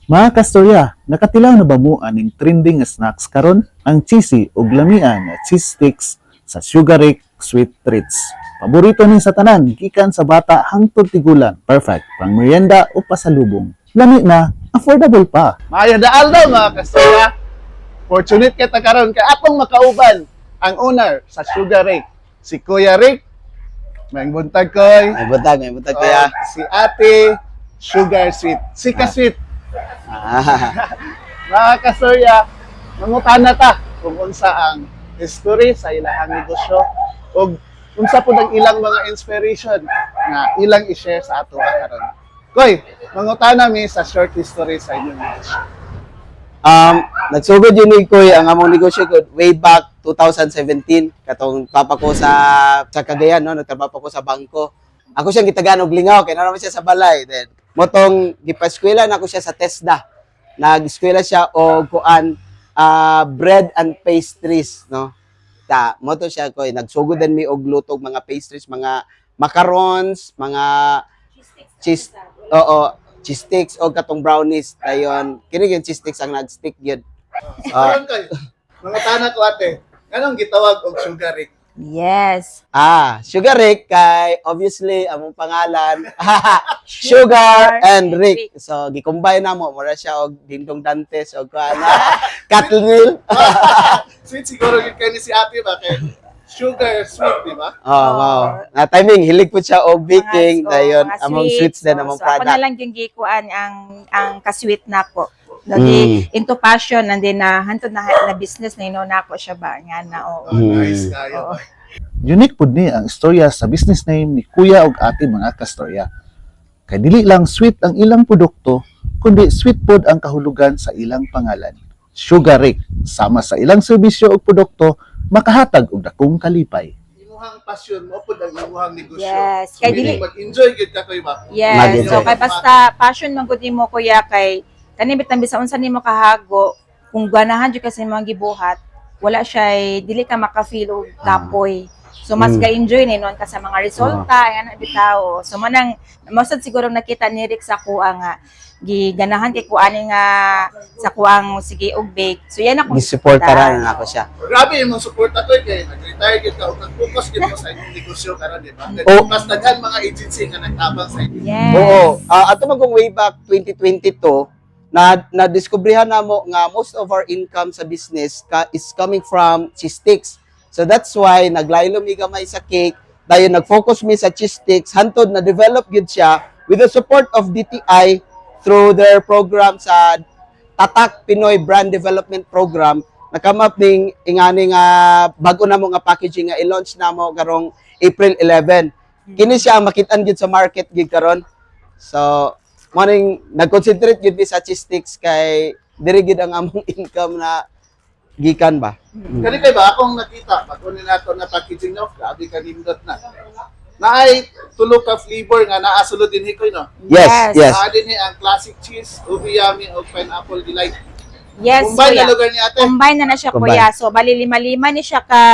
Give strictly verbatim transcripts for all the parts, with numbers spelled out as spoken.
Mga kastorya, nakatilaw na ba mo aning trending nga snacks karon? Ang cheesy ug lamian nga cheese sticks sa Sugar Rick Sweet Treats. Paborito ni sa tanan, gikan sa bata hangtod tigulan. Perfect pang merienda o pasalubong. Lami na, affordable pa. Maayo daal daw mga kastorya. Fortunate kita karon kay atong makauban ang owner sa Sugar Rick, si Kuya Rick. May buntag koy. May butag, may butag Oh, kuya. si Ate Sugar Sweet. Si Ka-Sweet. Ah. Mga kastorya, mangutana ta kung unsa ang history sa ilahang negosyo o unsa po ang ilang mga inspiration na ilang i-share sa ato karon. Koy, mangutana mi sa short history sa inyong negosyo. Um, nagsugod yun ni Kuy ang among negosyo ko way back two thousand seventeen katong papa ko sa sa Cagayan no, nagtrabaho ko sa bangko. Ako siyang gitagaan og lingaw kay naman siya sa balay. Then motong gipaskwela na ako siya sa TESDA. Nag-eskwela siya og kuan ah, bread and pastries no. Ta moto siya Kuy nagsugod din mi og lutog mga pastries, mga macarons, mga cheese oo, cheese sticks o katong brownies dayon kini yung cheese sticks ang nag-stick gyud. Ah, Karon koy, mangutana ko ate, anong gitawag og Sugar Rick? Yes. Ah, Sugar Rick kay obviously among pangalan Sugar and Rick. So gi-combine namo mura siya og Dingdong Dantes og kuan Cattle Mill. Sweet siguro gid kay ni si ate ba kay Sugar Sweet, di ba? Oh, wow. Na timing hilig po siya og baking Mga- dayon mga among sweets. sweets din So, among so, ako na product. lang yung gikuan ang ang ka-sweet nako. Lagi Mm. into passion and then na hantod na na business na ino nako siya ba nga na Oh, oo. nice Mm. kayo. Oo. Unique pud ni ang istorya sa business name ni Kuya ug Ate mga kastorya. Kay dili lang sweet ang ilang produkto, kundi sweet pod ang kahulugan sa ilang pangalan. Sugar Rick, sama sa ilang serbisyo ug produkto, makahatag og dakong kalipay. Imuhang passion mo pud ang imuhang negosyo. Yes. Kay Kay dili mag-enjoy gid ka koy ba? Yes. Mag-enjoy. So kay basta passion man gud nimo kuya kay kani bitan bisan unsa nimo kahago kung ganahan jud kasi mga gibuhat, wala siya dili ka maka-feel og kapoy. So mas Mm. ga-enjoy ni non ka sa mga resulta ana bitaw. So manang masad siguro nakita ni Rick sa kuha nga giganahan kay kuani nga sa kuang sige og bake. So yan ako Gisuportaran na ako siya. Grabe imong suporta koy kay nag-retire gid ka ug nag-focus gid mo sa inyong negosyo karon, di ba? Oh. Mas daghan mga agency nga nagtabang sa inyo. Yes. Oo. Ah, ato man kung way back twenty twenty-two, na na-discoveryhan na mo nga most of our income sa business ka, is coming from cheese sticks. So that's why naglaylo mi gamay sa cake, dayon nag-focus mi sa cheese sticks, hantod na develop gyud siya with the support of D T I through their program sa Tatak Pinoy Brand Development Program. Nakamap ning ingani nga bago na mo nga packaging nga i-launch na mo karong April eleven. Kini siya ang makitaan gyud sa market gyud karon. So, morning nag-concentrate gyud mi sa cheese sticks kay diri gyud ang among income na gikan ba. Kani kay ba akong nakita bago ni nato na packaging no, grabe ka nindot na. Naay tulo ka flavor nga naa sulod din hikoy no. Yes, yes. Naa din ni ang classic cheese, ubi yummy ug pineapple delight. Yes, Combine na kuya. lugar ni ate. Combine na na siya, Combine. kuya. So, bali lima-lima ni siya ka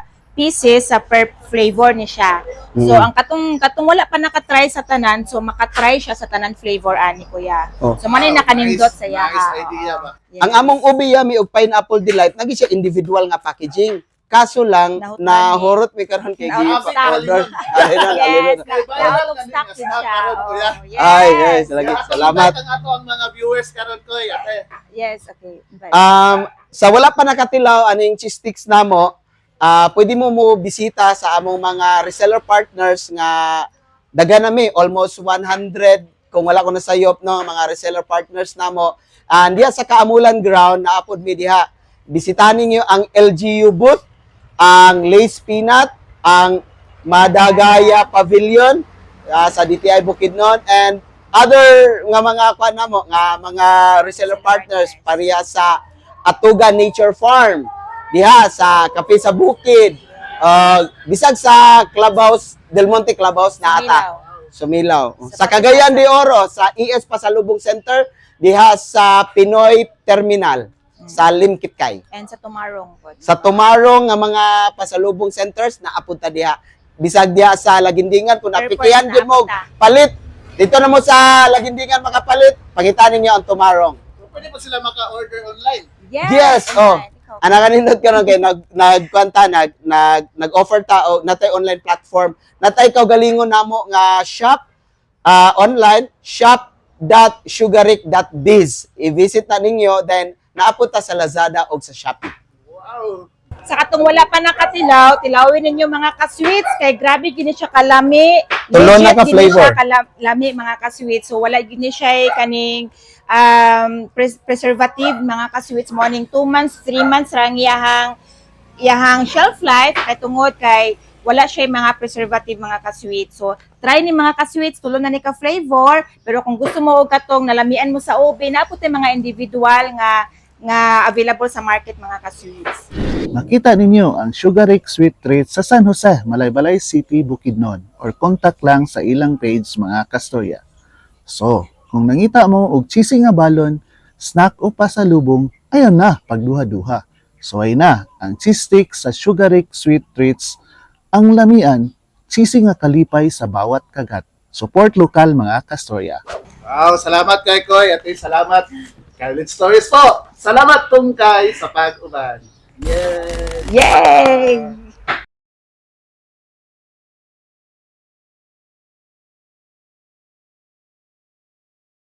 pieces sa per flavor ni siya. So, Mm. ang katong katong wala pa nakatry sa tanan, so makatry siya sa tanan flavor ani, kuya. Oh. So, manay Wow, nakanindot nice, sa iya. nice idea ba? Yes. Ang among ubi yummy ug pineapple delight nagi siya individual nga packaging. Kaso lang Nahutlan na ni. horot mi karon kay gi Nahutlan. order. Ay, na, Yes, alilon. na out of stock din siya. Oh, yes. Ay, yes, lagi. Salamat. Ang ato ang mga viewers karon koy ate. Yes, okay. Bye. Um, sa wala pa nakatilaw aning cheese sticks namo, ah pwede mo mo bisita sa among mga reseller partners nga daga nami almost one hundred kung wala ko nasayop no mga reseller partners namo. And diha sa Kaamulan ground na apod mi diha. Bisitahin niyo ang L G U booth, ang Lace Peanut, ang Madagaya Pavilion ah, sa D T I Bukidnon, and other nga mga kuan namo nga mga reseller partners pareha sa Atuga Nature Farm diha sa Kape sa Bukid, uh, bisag sa Clubhouse Del Monte Clubhouse na ata Sumilaw. Sa Cagayan de Oro sa E S Pasalubong Center diha sa Pinoy Terminal sa Limkitkay. And sa Tumarong po. Sa Tumarong nga mga pasalubong centers na apunta diha. Bisag diha sa Lagindingan kung Airport napikihan na gyud mo apunta. palit Dito na mo sa Lagindingan makapalit, pangitan ninyo ang tumarong. Pwede po sila maka-order online. Yes, oh. Ana kanindot karon kay nag nagkwanta nag nag nag-offer ta og natay online platform. Natay kaugalingon namo nga shop ah, online shop dot sugaric dot biz. I-visit na ninyo then naapod ta sa Lazada o sa Shopee. Wow! Sa katong wala pa nakatilaw, tilawin ninyo mga ka-sweets kay grabe gini siya kalami. Tulo na Legit ka gini flavor. siya kalami mga ka-sweets. So wala gini siya eh, kaning um, pres- preservative mga ka-sweets morning two months, three months rang iyahang iyahang shelf life kay tungod kay wala siya yung mga preservative mga ka-sweets. So try ni mga ka-sweets, tulo na ni ka flavor, pero kung gusto mo og katong nalamian mo sa oven, naapot yung mga individual nga nga available sa market mga ka-sweets. Makita ninyo ang Sugaric Sweet Treats sa San Jose, Malaybalay City, Bukidnon or contact lang sa ilang page mga kastorya. So, kung nangita mo og cheesy nga balon, snack o pasalubong, ayon na pagduha-duha. So ay na ang cheese sticks sa Sugaric Sweet Treats, ang lamian, cheesy nga kalipay sa bawat kagat. Support lokal mga kastorya. Wow! Salamat kay Koy at salamat kay Lit Stories po! Salamat tungkay sa pag-uban! Yay! Yay!